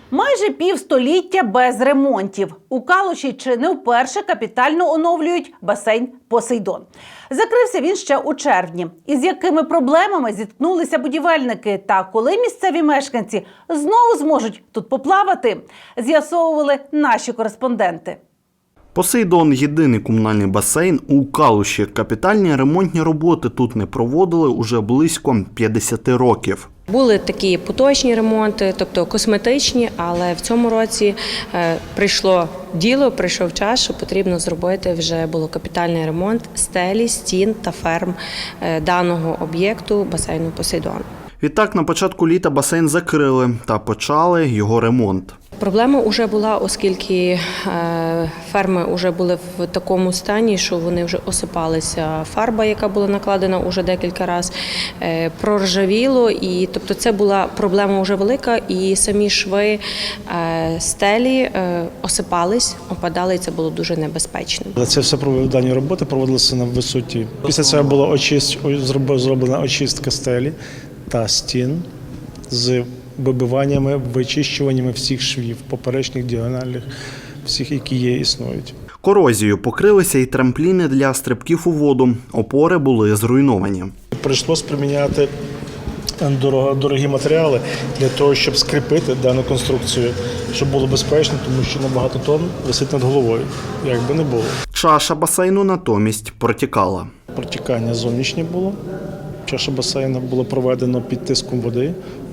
Майже півстоліття без ремонтів. У Калуші чи не вперше капітально оновлюють басейн «Посейдон». Закрився він ще у червні. Із якими проблемами зіткнулися будівельники та коли місцеві мешканці знову зможуть тут поплавати, з'ясовували наші кореспонденти. «Посейдон» – єдиний комунальний басейн у Калуші. Капітальні ремонтні роботи тут не проводили уже близько 50 років. Були такі поточні ремонти, тобто косметичні, але в цьому році прийшло діло, прийшов час, що потрібно зробити вже було капітальний ремонт стелі, стін та ферм даного об'єкту басейну «Посейдон». Відтак, на початку літа басейн закрили та почали його ремонт. Проблема вже була, оскільки ферми вже були в такому стані, що вони вже осипалися. Фарба, яка була накладена вже декілька разів, проржавіло. І, тобто це була проблема вже велика, і самі шви стелі осипались, опадали, і це було дуже небезпечно. Це все дані роботи проводилися на висоті. Після цього була зроблена очистка стелі та стін з вибиваннями, вичищуваннями всіх швів, поперечних, діагональних, всіх, які є, існують. Корозією покрилися і трампліни для стрибків у воду. Опори були зруйновані. Прийшлося приміняти дорогі матеріали для того, щоб скріпити дану конструкцію, щоб було безпечно, тому що на багато тонн висить над головою, як би не було. Чаша басейну натомість протікала. Протікання зовнішнє було. Чаша басейну було проведено під тиском води.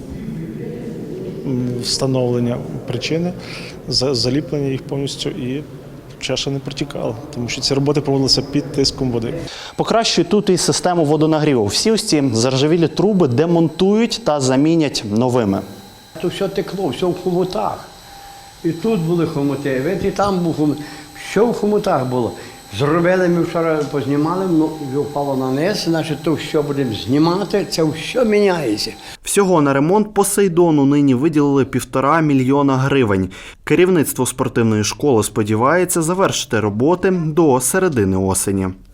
Встановлення причини, заліплення їх повністю, і чаша не протікала, тому що ці роботи проводилися під тиском води. Покращують тут і систему водонагріву. Всі ось ці заржавілі труби демонтують та замінять новими. Тут все текло, все в хомутах. І тут були хомути, і там був хомут. Все в хомутах було. Зробили, ми вчора познімали, вже впало на низ, значить, то все будемо знімати, це все міняється. Всього на ремонт «Посейдону» нині виділили 1,5 мільйона гривень. Керівництво спортивної школи сподівається завершити роботи до середини осені.